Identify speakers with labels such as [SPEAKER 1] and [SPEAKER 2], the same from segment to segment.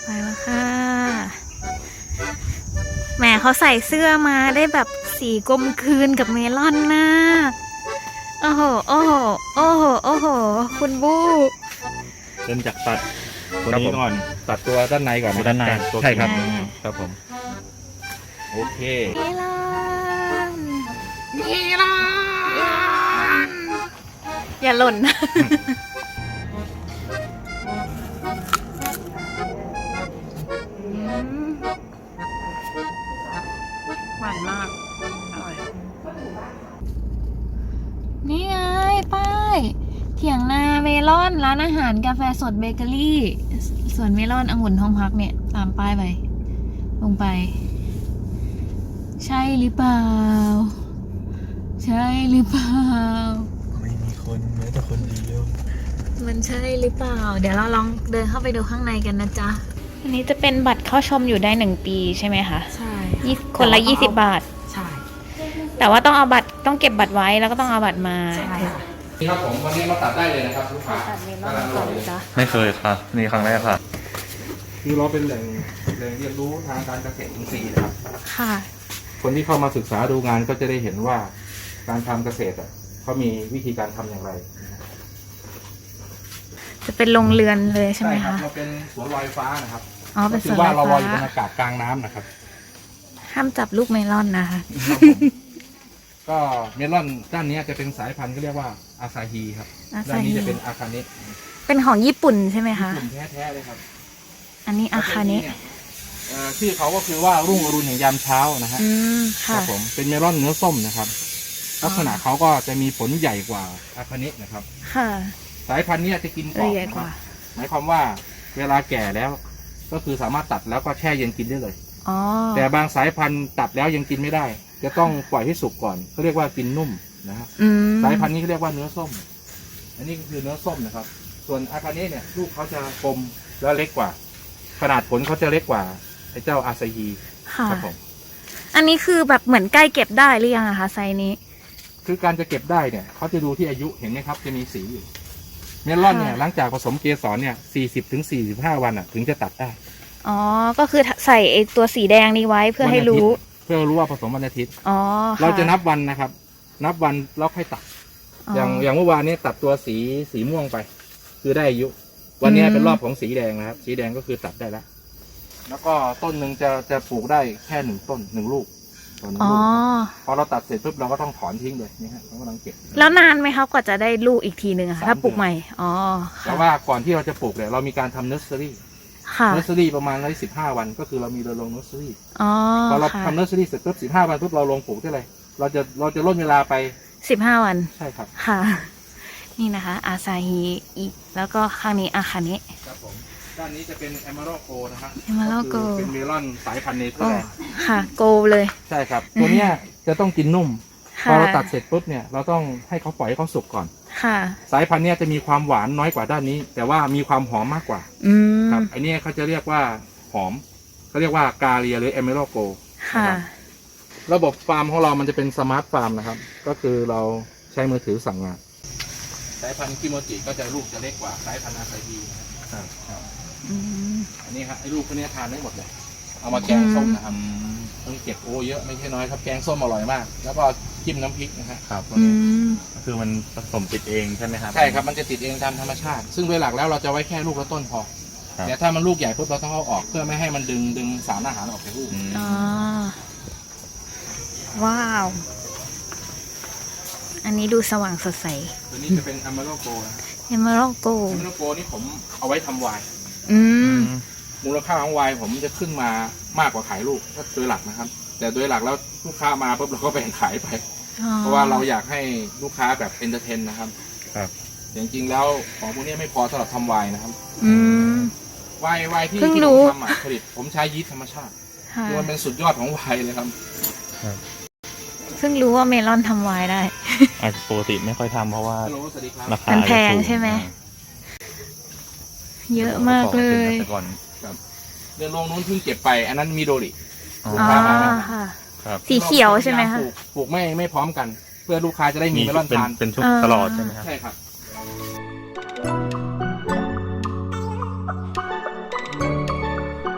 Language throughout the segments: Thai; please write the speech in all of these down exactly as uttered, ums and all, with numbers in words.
[SPEAKER 1] ไปแล้วค่ะแหมเขาใส่เสื้อมาได้แบบสีกลมกลืนกับเมลอนนะโอ้โหโอ้โหโอ้โหโอ้โหคุณบู้
[SPEAKER 2] เริ่มจากตัดตัว
[SPEAKER 3] ครับ
[SPEAKER 2] นี้
[SPEAKER 3] ผม
[SPEAKER 2] ก่อนตัดตัวด้านในก่อน
[SPEAKER 3] ตัวด้านใน
[SPEAKER 2] ตัว
[SPEAKER 3] ใช่ครับ
[SPEAKER 1] อ่า
[SPEAKER 3] ครับผม
[SPEAKER 2] โอเค
[SPEAKER 1] เมลอน
[SPEAKER 2] เมลอน
[SPEAKER 1] อย่าหล่นนะ
[SPEAKER 4] หวานมาก อร่อย
[SPEAKER 1] นี่ไงป้ายเถียงนาเมลอนร้านอาหารกาแฟสดเบเกอรี่สวนเมลอนองุ่นทองพักเนี่ยตามป้ายไปลงไป ใช่หรือเปล่า ใช่หรือเปล่า
[SPEAKER 3] ไม่มีคนแม้แต่คนเดียว
[SPEAKER 1] มันใช่หรือเปล่า เดี๋ยวเราลองเดินเข้าไปดูข้างในกันนะจ๊ะ อันนี้จะเป็นบัตรเข้าชมอยู่ได้หนึ่งปีใช่ไหมคะ
[SPEAKER 4] ใช่
[SPEAKER 1] ยี่สิบคนละยี่สิบบาท
[SPEAKER 4] ใช่
[SPEAKER 1] แต่ว่าต้องเอาบัตรต้องเก็บบัตรไว้แล้วก็ต้องเอาบัตรมา
[SPEAKER 4] ใช่ค่ะ
[SPEAKER 2] นี่ครับผมวันนี้มาตัดได้เลยนะครับลูกค้า
[SPEAKER 1] ตัดเมลอนก่อนนะจ๊ะ
[SPEAKER 3] ไม่เคยค่ะนี่ครั้งแรกค่ะ
[SPEAKER 2] คือเราเป็นแหล่งแหล่งเรียนรู้ทางการเกษตรอินทรีย์นะครับ
[SPEAKER 1] ค่ะ
[SPEAKER 2] คนที่เข้ามาศึกษาดูงานก็จะได้เห็นว่าการทำเกษตรอ่ะเขามีวิธีการทำอย่างไร
[SPEAKER 1] จะเป็นโรงเรือนเลยใช่ไหม
[SPEAKER 2] ครั
[SPEAKER 1] คะ
[SPEAKER 2] เราเป็นสวนลอยฟ้านะครับ
[SPEAKER 1] อ๋อ เป็น
[SPEAKER 2] ก็
[SPEAKER 1] ส
[SPEAKER 2] คื
[SPEAKER 1] วน
[SPEAKER 2] อว่า
[SPEAKER 1] ล
[SPEAKER 2] เรา
[SPEAKER 1] อย
[SPEAKER 2] ลอยอยู่บ
[SPEAKER 1] ฟ้าน
[SPEAKER 2] อากาศกลางน้ำนะครับ
[SPEAKER 1] ห้ามจับลูกเมลอนนะคะ
[SPEAKER 2] ก็เมลอนด้านนี้จะเป็นสายพันธุ์ก็เรียกว่าอาซาฮีครับ
[SPEAKER 1] อา
[SPEAKER 2] ด้า
[SPEAKER 1] ซาน
[SPEAKER 2] นี้
[SPEAKER 1] ฮิ
[SPEAKER 2] จะเป็นอาคาเนะ
[SPEAKER 1] เป็นของญี่ปุ่นใช่ไหมคะ
[SPEAKER 2] กลุ่มแท้ๆเลยครับ
[SPEAKER 1] อันนี้อาคาเนะ
[SPEAKER 2] เอ่อชื่อเขาก็คือว่ารุ่งอรุณแห่งยามเช้านะฮะ
[SPEAKER 1] อืม
[SPEAKER 2] ค
[SPEAKER 1] ค่ะ
[SPEAKER 2] รับผมเป็นเมลอนเนื้อส้มนะครับ
[SPEAKER 1] อ๋อ
[SPEAKER 2] ลักษณะเขาก็จะมีผลใหญ่กว่าอาคาเนะนะครับ
[SPEAKER 1] ค่ะ
[SPEAKER 2] สายพันธุ์เนี้จะกินกร
[SPEAKER 1] ละ
[SPEAKER 2] อบ
[SPEAKER 1] เอียด
[SPEAKER 2] นะ
[SPEAKER 1] ก
[SPEAKER 2] ครับ
[SPEAKER 1] ว่า
[SPEAKER 2] หมายความว่าเวลาแก่แล้ว ก็คือสามารถตัดแล้วก็แช่เย็นกินได้เลย
[SPEAKER 1] อ๋อ
[SPEAKER 2] แต่บางสายพันธุ์ตัดแล้วยังกินไม่ได้ จะต้องปล่อยให้สุกก่อนเขาเรียกว่ากินนุ่มนะฮะ
[SPEAKER 1] อืม
[SPEAKER 2] สายพันธุ์นี้เขาเรียกว่าเนื้อส้ม อันนี้ก็คือเนื้อส้มนะครับ ส่วนอาคาเนะเนี่ยลูกเขาจะกลมแล้วเล็กกว่า ขนาดผลเขาจะเล็กกว่าไอ้เจ้าอาซาฮี
[SPEAKER 1] ค่ะ
[SPEAKER 2] ครับผม
[SPEAKER 1] อันนี้คือแบบเหมือนใกล้เก็บได้หรือยังอะคะไซส์นี้
[SPEAKER 2] คือการจะเก็บได้เนี่ยเขาจะดูที่อายุเห็นไหมครับ จะมีสีอยู่เมลอนเนี่ย
[SPEAKER 1] ค่ะ
[SPEAKER 2] หลังจากผสมเกสรเนี่ยสี่สิบถึงสี่สิบห้าวันอ่ะถึงจะตัดได้
[SPEAKER 1] อ๋อ ก็คือใส่ไอตัวสีแดงนี้ไว้เพื่อให้รู้
[SPEAKER 2] วันอาทิตย์เพื่อรู้ว่าผสมวันอาทิตย์
[SPEAKER 1] อ๋อค่
[SPEAKER 2] เราจะนับวันนะครับ นับวันแล้วค่อยตัด อย่างอย่างเมื่อวานนี้ตัดตัวสีสีม่วงไป คือได้อายุ วันนี้เป็นรอบของสีแดงนะครับ สีแดงก็คือตัดได้แล้ว แล้วก็ต้นหนึ่งจะจะปลูกได้แค่หนึ่งต้นหนึ่งลูกต่อหนึ่ง
[SPEAKER 1] อ๋อ
[SPEAKER 2] ลูกพอเราตัดเสร็จปุ๊บเราก็ต้องถอนทิ้งเลยนี่ฮะเรากำลังเก็บ
[SPEAKER 1] แล้วนานไหมคะกว่าจะได้ลูกอีกทีหนึ่งอะคะ
[SPEAKER 2] สาม
[SPEAKER 1] ถ้าปลูก
[SPEAKER 2] เดือน
[SPEAKER 1] ใหม่ อ๋อ
[SPEAKER 2] แต่
[SPEAKER 1] ค่ะ
[SPEAKER 2] ว่าก่อนที่เราจะปลูกเนี่ยเรามีการทำเนอร์เซอรี่
[SPEAKER 1] ค่ะ
[SPEAKER 2] เนอร์เซอรี่ประมาณร้อยสิบห้าวันก็คือเรามีเราลงเนอร์เซอรี่
[SPEAKER 1] อ๋อ
[SPEAKER 2] พอเรา
[SPEAKER 1] ค่ะ
[SPEAKER 2] ทำเนอร์เซอรี่เสร็จปุ๊บสิบห้าวันปุ๊บเราลงปลูกได้เลย เราจะเราจะลดเวลาไป
[SPEAKER 1] สิบห้าวัน
[SPEAKER 2] ใช่ครับ
[SPEAKER 1] ค่ะ นี่นะคะ อาซาฮิอีก แล้วก็ข้างนี้อาคาเนะ
[SPEAKER 2] ครับผมด้านนี้จะเป็นเอม r ร l โกนะครับ
[SPEAKER 1] Emerald
[SPEAKER 2] ก็คือ
[SPEAKER 1] Gold
[SPEAKER 2] เป็นเมลอนสายพันธุ์เนเธอ
[SPEAKER 1] โอ้
[SPEAKER 2] ร์แลนด์
[SPEAKER 1] ค่ะ โกลเลย
[SPEAKER 2] ใช่ครับ ตัวเนี้ยจะต้องกินนุ่ม พ
[SPEAKER 1] ค่ะ
[SPEAKER 2] อเราตัดเสร็จปุ๊บเนี่ยเราต้องให้เขาปล่อยให้เขาสุกก่อน
[SPEAKER 1] ค่ะ
[SPEAKER 2] สายพันธุ์เนี้ยจะมีความหวานน้อยกว่าด้านนี้ แต่ว่ามีความหอมมากกว่า
[SPEAKER 1] อืม
[SPEAKER 2] ครับไอันนี้เขาจะเรียกว่าหอมเขาเรียกว่ากาเลียหรือเอม r ร l โก
[SPEAKER 1] ค่ะ
[SPEAKER 2] ระบบฟาร์มของเรามันจะเป็นสมาร์ทฟาร์มนะครับ ก็คือเราใช้มือถือสั่งงานสายพันธุ์คิโมจิก็จะลูกจะเล็กกว่าสายพันธุ์อาซาฮีนะครับ
[SPEAKER 1] อืม
[SPEAKER 2] อันนี้ครับไอ้ลูกพวกนี้ทานได้หมดเลย เอามาแกงส้มนะครับต้องเก็บโอเยอะไม่ใช่น้อยครับแกงส้มอร่อยมาก แล้วก็จิ้มน้ำพริกนะฮะ
[SPEAKER 3] ครับ
[SPEAKER 1] อืม
[SPEAKER 3] คือมันผสมติดเองใช่ไหมครับ
[SPEAKER 2] ใช่ครับมันจะติดเองตามธรรมชาติ ซึ่งโดยหลักแล้วเราจะไว้แค่ลูกละต้นพอ
[SPEAKER 3] ครับ
[SPEAKER 2] แต่ถ้ามันลูกใหญ่ปุ๊บเราต้องเอาออกเพื่อไม่ให้มันดึงดึงสารอาหารออกจากลูก
[SPEAKER 3] อืม
[SPEAKER 1] อ๋อ ว้าว อันนี้ดูสว่างสดใส
[SPEAKER 2] ตัวนี้จะเป็นอ m ม r ร l โกนะ
[SPEAKER 1] เอมเมอรัลโก
[SPEAKER 2] อ m ม r ร l โกนี่ผมเอาไว้ทำไวน์
[SPEAKER 1] อืม
[SPEAKER 2] มูลค่าของไวน์ผมจะขึ้นมามากกว่าขายลูกก็โดยหลักนะครับ แต่โดยหลักแล้วลูกค้ามาปุ๊บเราก็แบ่งขายไป เพราะว่าเราอยากให้ลูกค้าแบบเอนเตอร์เทนนะครับ
[SPEAKER 3] ครับ
[SPEAKER 2] จริงๆแล้วของพวกนี้ไม่พอสำหรับทำไวน์นะครับ
[SPEAKER 1] อืม
[SPEAKER 2] ไวน์ไวน์ที่
[SPEAKER 1] เพิ่ง
[SPEAKER 2] ที่
[SPEAKER 1] รู้
[SPEAKER 2] ผมทำอะผลิตผมใช้ยีสต์ธรรมชาติ
[SPEAKER 1] ค่ะ
[SPEAKER 2] คือมันเป็นสุดยอดของไวน์เลยครับ
[SPEAKER 1] เพิ่งรู้ว่าเมลอนทำไวน์ได้
[SPEAKER 3] อาจจะปกติไม่ค่อยทำเพราะว่า
[SPEAKER 2] ฮัลโหลสวัสดีครับ
[SPEAKER 3] ราคา
[SPEAKER 1] มันแพง
[SPEAKER 3] อาจจะสู
[SPEAKER 1] ใช่ไหม เยอะมากเลย
[SPEAKER 3] แต่ก่อน
[SPEAKER 2] เดือนลงนู้นเพิ่งเก็บไป อันนั้นมิโดริ
[SPEAKER 3] อ๋อ
[SPEAKER 1] อ๋อค่ะ
[SPEAKER 3] ครับ
[SPEAKER 1] สีเขียวใช่ไหมคะ
[SPEAKER 2] ปลูกปลูกไม่ไม่พร้อมกัน เพื่อลูกค้าจะได้มี
[SPEAKER 3] มี
[SPEAKER 2] เมลอน
[SPEAKER 3] เป็น
[SPEAKER 2] ทาน
[SPEAKER 3] เป็นชุด
[SPEAKER 1] อ่า
[SPEAKER 3] ตลอดใช่ไหมครับ
[SPEAKER 2] ใช่ครับ
[SPEAKER 1] อ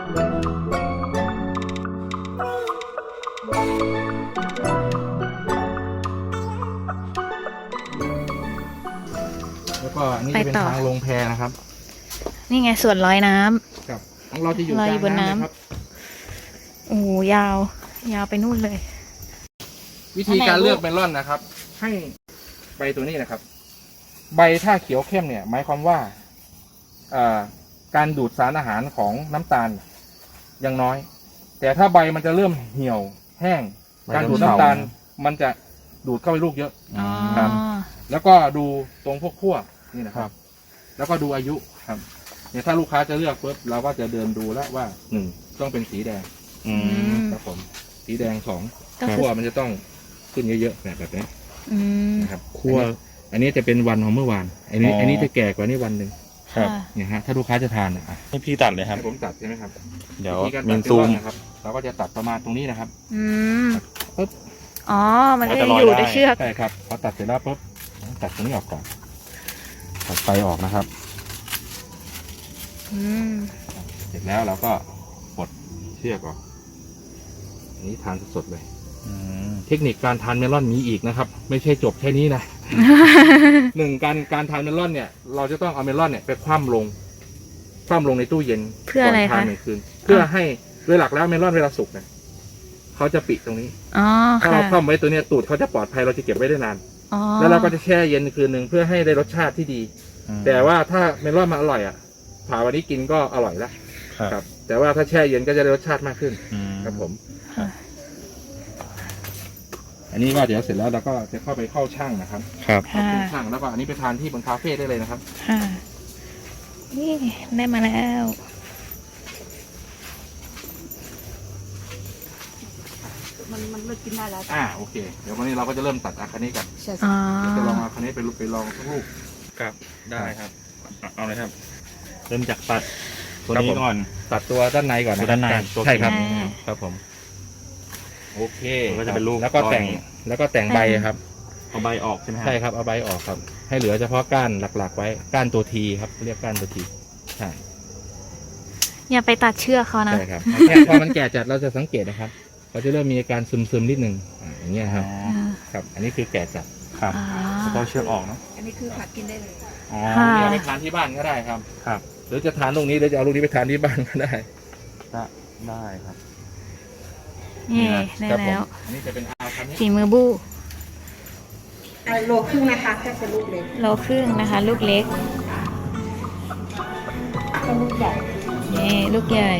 [SPEAKER 2] อันนี้
[SPEAKER 1] ไป
[SPEAKER 2] จะเป็น
[SPEAKER 1] ต่อ
[SPEAKER 2] ทางลงแพนะครับ
[SPEAKER 1] นี่ไงสวนลอยน้ำ
[SPEAKER 2] ครับของเราจะอยู่
[SPEAKER 1] ลอย
[SPEAKER 2] ก
[SPEAKER 1] อ
[SPEAKER 2] ลา
[SPEAKER 1] ยู่
[SPEAKER 2] ง
[SPEAKER 1] บนน้ำ
[SPEAKER 2] น้ำเลยครับ
[SPEAKER 1] โอ้โหยาว ยาวไปนู่นเลย
[SPEAKER 2] วิธีการเลือกเมลอนนะครับ ให้ใบตัวนี้นะครับ ใบถ้าเขียวเข้มเนี่ย หมายความว่าอ่าการดูดสารอาหารของน้ำตาลยังน้อย แต่ถ้าใบมันจะเริ่มเหี่ยวแห้ง การดูดน้ำตาลมันจะดูดเข้าไปลูกเยอะ
[SPEAKER 1] อ๋อ
[SPEAKER 2] ครับ แล้วก็ดูตรงพวกขั้วนี่นะครับ แล้วก็ดูอายุครับเนี่ยถ้าลูกค้าจะเลือกปุ๊บเราก็จะเดินดูแล้วว่าหนึ่งต้องเป็นสีแดง
[SPEAKER 3] อื
[SPEAKER 1] อื
[SPEAKER 3] ม
[SPEAKER 1] ม
[SPEAKER 2] ครับผมสีแดงสอง
[SPEAKER 1] ก็คือ
[SPEAKER 2] ขั้วมันจะต้องขึ้นเยอะๆแบบแบบนี้
[SPEAKER 1] อืม
[SPEAKER 2] นะครับ
[SPEAKER 3] คั่ว
[SPEAKER 2] อันนี้จะเป็นวันของเมื่อวาน อันนี้
[SPEAKER 3] อ๋ออั
[SPEAKER 2] อันนี้จะแก่กว่านี้วันหนึ่ง
[SPEAKER 3] ครับ
[SPEAKER 1] ค่ะ
[SPEAKER 2] เนี่ยฮะถ้าลูกค้าจะทานอ่ะ
[SPEAKER 3] ให้พี่ตัดเลยครับ
[SPEAKER 2] ให้ผมตัดใช่ไหมครับ
[SPEAKER 3] เดี๋ยว
[SPEAKER 2] วิธีการ
[SPEAKER 3] มี
[SPEAKER 2] ตัด
[SPEAKER 3] ซูม
[SPEAKER 2] เป็นร่อนนะครับ เราก็จะตัดประมาณตรงนี้นะครับ
[SPEAKER 1] อืม
[SPEAKER 2] ปุ๊บ
[SPEAKER 1] อ๋อ มันก็
[SPEAKER 3] ก็
[SPEAKER 1] จะ
[SPEAKER 3] จะลอย
[SPEAKER 1] อยู่
[SPEAKER 3] ได้
[SPEAKER 1] ในเชือก
[SPEAKER 2] ใช่ครับพอตัดเสร็จแล้วปุ๊บตัดตรงนี้ออกก่อนตัดไฟออกนะครับ
[SPEAKER 1] อืม
[SPEAKER 2] เสร็จแล้วเราก็ปลดเชือกออกอันนี้ทานสดๆเลย
[SPEAKER 3] อืม
[SPEAKER 2] เทคนิคการทานเมลอนมีอีกนะครับ ไม่ใช่จบแค่นี้นะ หนึ่งการการทานเมลอนเนี่ย เราจะต้องเอาเมลอนเนี่ยไปคว่ำลง คว่ำลงในตู้เย็น
[SPEAKER 1] เพื่ออะไร
[SPEAKER 2] ก่นทาน
[SPEAKER 1] คะ
[SPEAKER 2] หนึ่งคืน เพื่อให้โดยหลักแล้วเมลอนเวลาสุกเนี่ยเขาจะปิดตรงนี้
[SPEAKER 1] อ๋อ
[SPEAKER 2] ถ้า
[SPEAKER 1] ค่ะ
[SPEAKER 2] เราคว่ำไว้ตัวเนี้ยตูดเขาจะปลอดภัยเราจะเก็บไว้ได้นาน
[SPEAKER 1] อ๋อ
[SPEAKER 2] แล้วเราก็จะแช่เย็นคืนหนึ่งเพื่อให้ได้รสชาติที่ดี แต่ว่าถ้าเมลอนมันอร่อยอ่ะผ่าวันนี้กินก็อร่อยละ
[SPEAKER 3] ครับ
[SPEAKER 2] ครับ แต่ว่าถ้าแช่เย็นก็จะได้รสชาติมากขึ้น
[SPEAKER 3] อืม
[SPEAKER 2] ครับผม
[SPEAKER 1] ค่ะ
[SPEAKER 2] อันนี้ก็เดี๋ยวเสร็จแล้วเราก็จะเข้าไปเข้าช่างนะครับ
[SPEAKER 3] ครับ
[SPEAKER 1] ค่ะ
[SPEAKER 2] เข้าช่างแล้วก็อันนี้ไปทานที่บนคาเฟ่ได้เลยนะครับ
[SPEAKER 1] ค่ะ นี่ได้มาแล้ว
[SPEAKER 4] มันมันเลิกกินได้แล้ว
[SPEAKER 2] อ่าโอเค เดี๋ยววันนี้เราก็จะเริ่มตัดอาคาเนะกัน
[SPEAKER 4] ใช่
[SPEAKER 1] อ๋อ
[SPEAKER 2] เดี๋ยวจะลองอาคาเนะไปลุกไปลองทุกลูก
[SPEAKER 3] ครับได้ครับเอาเอาเลยครับ เริ่มจากตัดตัว
[SPEAKER 2] ครับ
[SPEAKER 3] นี้
[SPEAKER 2] ผม
[SPEAKER 3] ก่อน
[SPEAKER 2] ตัดตัวด้านในก่อน
[SPEAKER 3] ตัวด้านใน
[SPEAKER 2] ครับ
[SPEAKER 3] ตัว
[SPEAKER 2] ใช่ครับ
[SPEAKER 1] อ่า
[SPEAKER 2] ครับผมโอเค
[SPEAKER 3] มันก็จะเป็นลูก
[SPEAKER 2] แล้วก็แต่ง
[SPEAKER 3] ก้อน
[SPEAKER 2] แล้วก็แต่งใบครับ
[SPEAKER 3] เอาใบออกใช่ไหมครับ
[SPEAKER 2] ใช่ครับเอาใบออกครับ ให้เหลือเฉพาะก้านหลักๆไว้ก้านตัวทีครับเรียกก้านตัวทีใช่
[SPEAKER 1] อย่าไปตัดเชือกเขานะ
[SPEAKER 2] ใช่ครับแค่พอมันแก่จัดเราจะสังเกตนะครับเขาจะเริ่มมีอาการซึมๆนิดนึงอ่าอย่างเงี้ยครับ
[SPEAKER 3] อ๋อ
[SPEAKER 1] อ่า
[SPEAKER 2] ครับ อันนี้คือแก่จัด
[SPEAKER 3] ครับ
[SPEAKER 1] อ๋อ
[SPEAKER 3] แล้วก็เชือกออกเนาะ
[SPEAKER 4] อันนี้คือผักกินได้เลย
[SPEAKER 3] อ๋อ
[SPEAKER 1] ค่ะ
[SPEAKER 2] เอาไปทานที่บ้านก็ได้ครับ
[SPEAKER 3] ครับ
[SPEAKER 2] หรือจะทานลูกนี้หรือจะเอาลูกนี้ไปทานที่บ้านก็ได้
[SPEAKER 3] ได้ได้ครับ
[SPEAKER 1] นี่ได้
[SPEAKER 2] ครับผม
[SPEAKER 1] แล้ว
[SPEAKER 2] อันนี้จะเป็นอาคันนี้
[SPEAKER 1] ฝีมือบู้
[SPEAKER 4] โลครึ่งนะคะแค่เป็นลูกเล็ก
[SPEAKER 1] โลครึ่งนะคะ ลูกเล็ก
[SPEAKER 4] ก็ลูกใหญ่
[SPEAKER 1] นี่ลูกใหญ่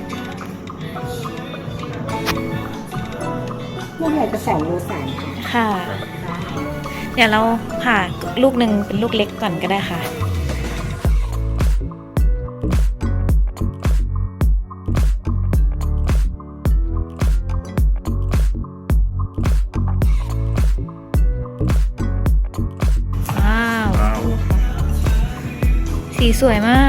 [SPEAKER 4] ลูกใหญ่จะสองโลสามค่ะ
[SPEAKER 1] ค่ะ เดี๋ยวเราผ่าลูกหนึ่งเป็นลูกเล็กก่อนก็ได้ค่ะ ว้าว
[SPEAKER 3] ว้าว
[SPEAKER 1] สีสวยมาก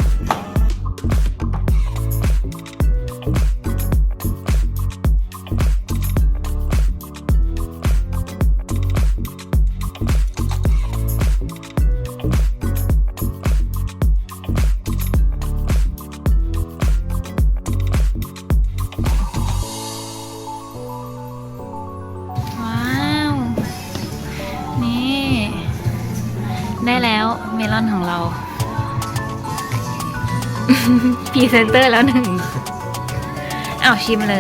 [SPEAKER 1] ว้าว นี่ ได้แล้วเมลอนของเรา พรีเซนเตอร์แล้วหนึ่งอ้าวชิมเลย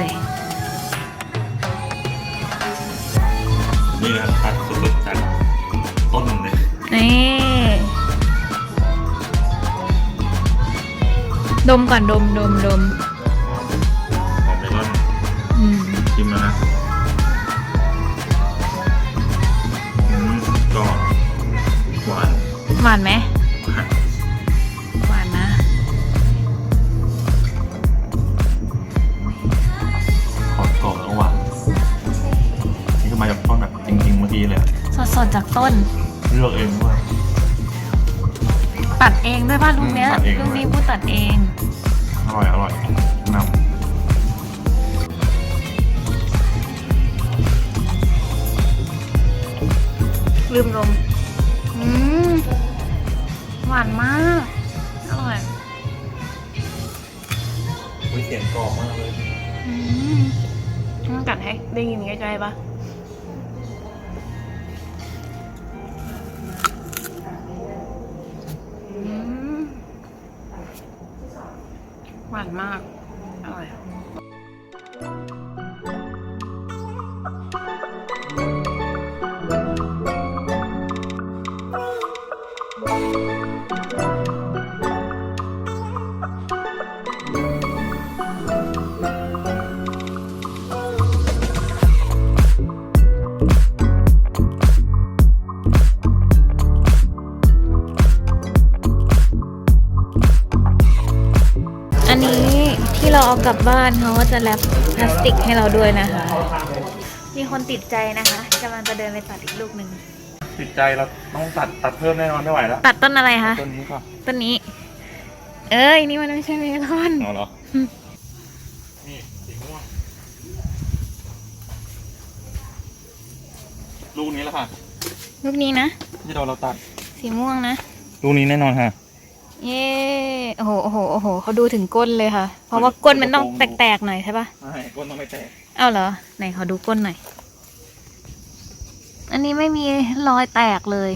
[SPEAKER 3] นี่นะครับตัดสุดๆจากต้นเลย
[SPEAKER 1] นี่ ดมก่อนดมดมดม
[SPEAKER 3] หอมเมลอน
[SPEAKER 1] อืม
[SPEAKER 3] ชิมแล้วนะอืมก็หวาน
[SPEAKER 1] หวานไหม หวานนะ
[SPEAKER 3] หอมกรอบแล้วหวานนี่ก็มาจากต้นแบบจริงๆเมื่อกี้เลยอะ
[SPEAKER 1] สดๆจากต้น
[SPEAKER 3] เลือกเองด้วย
[SPEAKER 1] ตัดเองด้วยป่ะลูกเนี้ย
[SPEAKER 3] ตัดเองด้วย
[SPEAKER 1] ลูกนี้พูดตัดเอง
[SPEAKER 3] อร่อยอร่อยนำ
[SPEAKER 1] ลืมลมอืม หวานมาก อร่อย
[SPEAKER 3] อุ้ยเสียงกรอบมากเลย
[SPEAKER 1] อืมต้องกัดให้ได้ยินใกล้ๆปะมหวานมาก อร่อย อันนี้ที่เราเอากลับบ้านเขาก็จะแรปพลาสติกให้เราด้วยนะคะ มีคนติดใจนะคะกำลังจะเดินไปตัดอีกลูกหนึ่ง
[SPEAKER 3] ติดใจเราต้องตัดตัดเพิ่มแน่นอนไม่ไหวแล้ว
[SPEAKER 1] ตัดต้นอะไรคะ
[SPEAKER 3] ต้นนี้ก็
[SPEAKER 1] ต้นนี้ เอ้ย นี่มันไม่ใช่เมลอน
[SPEAKER 3] เอาเหรอ นี่สีม่วง ลูกนี้แล้วค่ะ
[SPEAKER 1] ลูกนี้นะ
[SPEAKER 3] ที่เราเราตัด
[SPEAKER 1] สีม่วงนะ
[SPEAKER 3] ลูกนี้แน่นอนค่ะ
[SPEAKER 1] เย้โอ้โห โอ้โห โอ้โห เขาดูถึงก้นเลยค่ะ เพราะว่าก้นมันต้องแตกๆหน่อยใช่ปะ
[SPEAKER 3] ใช่ก้นต้องไม่แตก
[SPEAKER 1] เอ้าเหรอ ไหนขอดูก้นหน่อย อันนี้ไม่มีรอยแตกเลย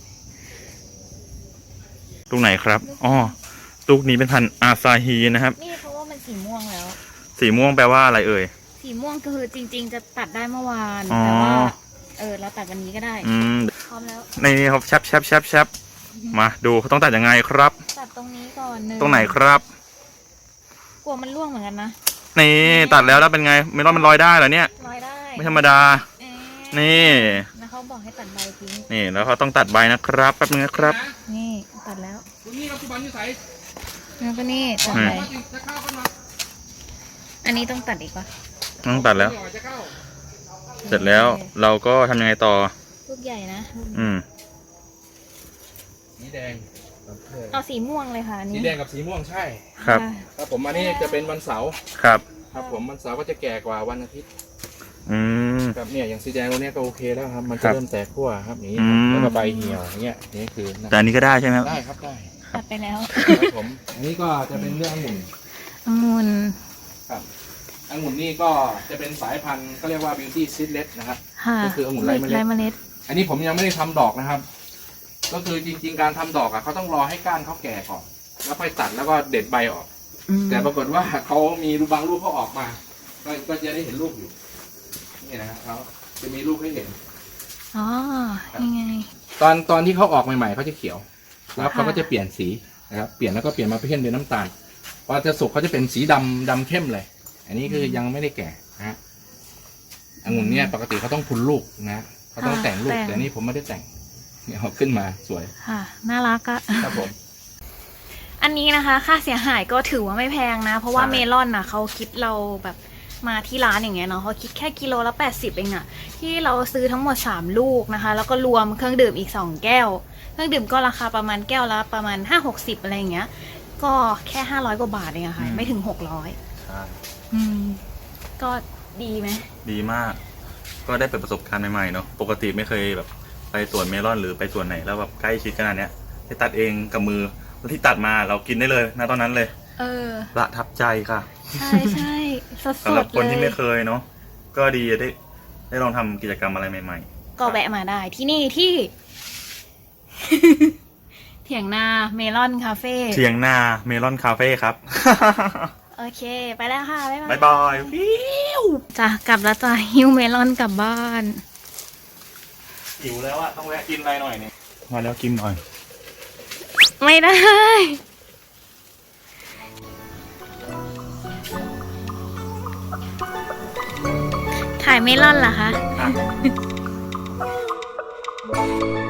[SPEAKER 3] ลูกไหนครับ อ๋อ ลูกนี้เป็นพันธุ์อาซาฮีนะครับ
[SPEAKER 1] นี่เพราะว่ามันสีม่วงแล้ว
[SPEAKER 3] สีม่วงแปลว่าอะไรเอ่ย
[SPEAKER 1] สีม่วงก็คือจริง ๆ จะตัดได้เมื่อวาน
[SPEAKER 3] อ๋อ
[SPEAKER 1] แต่ว่า เออ เราตัดวันนี้ก็ได้
[SPEAKER 3] อืม
[SPEAKER 1] พร้อมแล้ว
[SPEAKER 3] ในนี้ครับแชบแชบแชบแชบมาดูเขาต้องตัดยังไงครับ
[SPEAKER 1] ตัดตรงนี้ก่อนหนึ่ง
[SPEAKER 3] ตรงไหนครับ
[SPEAKER 1] กลัวมันร่วงเหมือนกันนะ
[SPEAKER 3] นี่ตัดแล้วแล้วเป็นไง เมลอนมันลอยได้เหรอเนี่ย
[SPEAKER 1] ร้อยได้
[SPEAKER 3] ไม่ธรรมดา
[SPEAKER 1] เอ๊ะ
[SPEAKER 3] นี่
[SPEAKER 1] แล้วเขาบอกให้ตัดใบทิ้ง
[SPEAKER 3] นี่แล้วเขาต้องตัดใบนะครับแป๊บนึงนะครับ
[SPEAKER 1] นี่ตัดแล้ว
[SPEAKER 2] คุณนี่เราสุบันนิสัย
[SPEAKER 1] แล้วก็นี่ตัด
[SPEAKER 3] อืม
[SPEAKER 1] ใบ
[SPEAKER 2] จะเข้ากันมา
[SPEAKER 1] อันนี้ต้องตัดอีกปะ
[SPEAKER 3] ต้องตัดแล้ว
[SPEAKER 2] จะเข้า
[SPEAKER 3] เสร็จแล้วเราก็ทำยังไงต่อ
[SPEAKER 1] ลูกใหญ่นะ
[SPEAKER 3] อืม
[SPEAKER 2] สีแดง
[SPEAKER 1] เอาสีม่วงเลยค่ะอัน
[SPEAKER 2] สี
[SPEAKER 1] นี้
[SPEAKER 2] แดงกับสีม่วงใช่
[SPEAKER 3] ครับ
[SPEAKER 1] ะ
[SPEAKER 2] ครับผมอันนี้จะเป็นวันเสาร์
[SPEAKER 3] ครับ
[SPEAKER 2] ครับผมวันเสาร์ก็จะแก่กว่าวันอาทิตย์
[SPEAKER 3] อืม
[SPEAKER 2] ครับเนี่ยอย่างสีแดงตัวเนี้ยก็โอเคแล้วครับ มัน
[SPEAKER 3] ครั
[SPEAKER 2] จะ
[SPEAKER 3] บ
[SPEAKER 2] เริ่มแตกขั้วครับอย่างนี้
[SPEAKER 3] อืม
[SPEAKER 2] แล้วก็ใบเหี่ยวอย่างเงี้ยนี่คือนะ
[SPEAKER 3] แต่อันนี้ก็ได้ใช่ไหมครับ
[SPEAKER 2] ได้ครับได้
[SPEAKER 1] ตัดไปแล้ว
[SPEAKER 2] ครับผมอันนี้ก็จะเป็นเรื่ององุ่น
[SPEAKER 1] องุ่น
[SPEAKER 2] ครับองุ่นนี่ก็จะเป็นสายพันธุ์ก็เรียกว่า beauty seedless นะครับ
[SPEAKER 1] ค่ะ
[SPEAKER 2] ก็คือองุ่นไร้เมล็ด
[SPEAKER 1] ไร้เมล็ด
[SPEAKER 2] อันนี้ผมยังไม่ได้ทำดอกนะครับ ก็คือจริง ๆ การทำดอกอ่ะเขาต้องรอให้ก้านเขาแก่ก่อนแล้วค่อยตัดแล้วก็เด็ดใบออก
[SPEAKER 1] อืม
[SPEAKER 2] แต่ปรากฏว่าเขามีรูบางลูกเขาออกมา ก็ก็จะได้เห็นลูกอยู่นี่นะครับเขาจะมีลูกให้เห็น
[SPEAKER 1] อ๋อยังไง
[SPEAKER 2] ตอนตอนที่เขาออกใหม่ๆเขาจะเขียว แล้วเขา
[SPEAKER 1] ค่ะ
[SPEAKER 2] ก็จะเปลี่ยนสีนะครับ เปลี่ยนแล้วก็เปลี่ยนมาเป็นเป็นน้ำตาล พอจะสุกเขาจะเป็นสีดำดำเข้มเลย อันนี้คือยังไม่ได้แก่นะฮะองุ่นเนี่ยปกติเขาต้องพุนลูกนะเขาต้องแต่งลูกแต่นี่ผมไม่ได้แต่งเนี่ยเขาขึ้นมาสวย
[SPEAKER 1] ค่ะ น่ารักอะ
[SPEAKER 2] ครับผม
[SPEAKER 1] อันนี้นะคะ ค่าเสียหายก็ถือว่าไม่แพงนะ เพราะว่า
[SPEAKER 2] ใช่
[SPEAKER 1] เมลอนน่ะเขาคิดเราแบบมาที่ร้านอย่างเงี้ยเนาะเขาคิดแค่กิโลละแปดสิบเองอะที่เราซื้อทั้งหมดสามลูกนะคะ แล้วก็รวมเครื่องดื่มอีกสองแก้ว เครื่องดื่มก็ราคาประมาณแก้วละประมาณห้าหกสิบอะไรอย่างเงี้ย ก็แค่ห้าร้อยกว่าบาทเองอะค่ะ ไม่ถึงหกร้อย
[SPEAKER 3] ใช่
[SPEAKER 1] อืม ก็ดีไหม
[SPEAKER 3] ดีมาก ก็ได้เปิดประสบการณ์ใหม่ๆเนาะ ปกติไม่เคยแบบไปสวนเมลอนหรือไปสวนไหนแล้วแบบใกล้ชิดขนาดเนี้ยได้ตัดเองกับมือแล้วที่ตัดมาเรากินได้เลยนะตอนนั้นเลย
[SPEAKER 1] เออ
[SPEAKER 3] ประทับใจค่ะ
[SPEAKER 1] ใช่ใช่สด
[SPEAKER 3] สำหรับ
[SPEAKER 1] ๆ
[SPEAKER 3] คน
[SPEAKER 1] เล
[SPEAKER 3] ที่
[SPEAKER 1] ย
[SPEAKER 3] ไม่เคยเนาะ ก็ดีได้ได้ลองทำกิจกรรมอะไรใหม่ๆ
[SPEAKER 1] ก็แวะมาได้ที่นี่ที่ เถียงนาเมลอนคาเฟ่
[SPEAKER 3] เทียงนาเมลอนคาเฟ่ครับ
[SPEAKER 1] โอเค ไปแล้วค่ะ บ๊ายบาย
[SPEAKER 3] บ๊ายบายฟิว
[SPEAKER 1] จ้ะกลับแล้วจ้ะฮิวเมลอนกลับบ้าน
[SPEAKER 3] หิวแล้วอะต้องแวะกินอะไรหน่อยเนี่ยมาแล้วกินหน่อย
[SPEAKER 1] ไม่ได้ ถ่ายเมลอนเหรอคะ
[SPEAKER 3] อ่ะ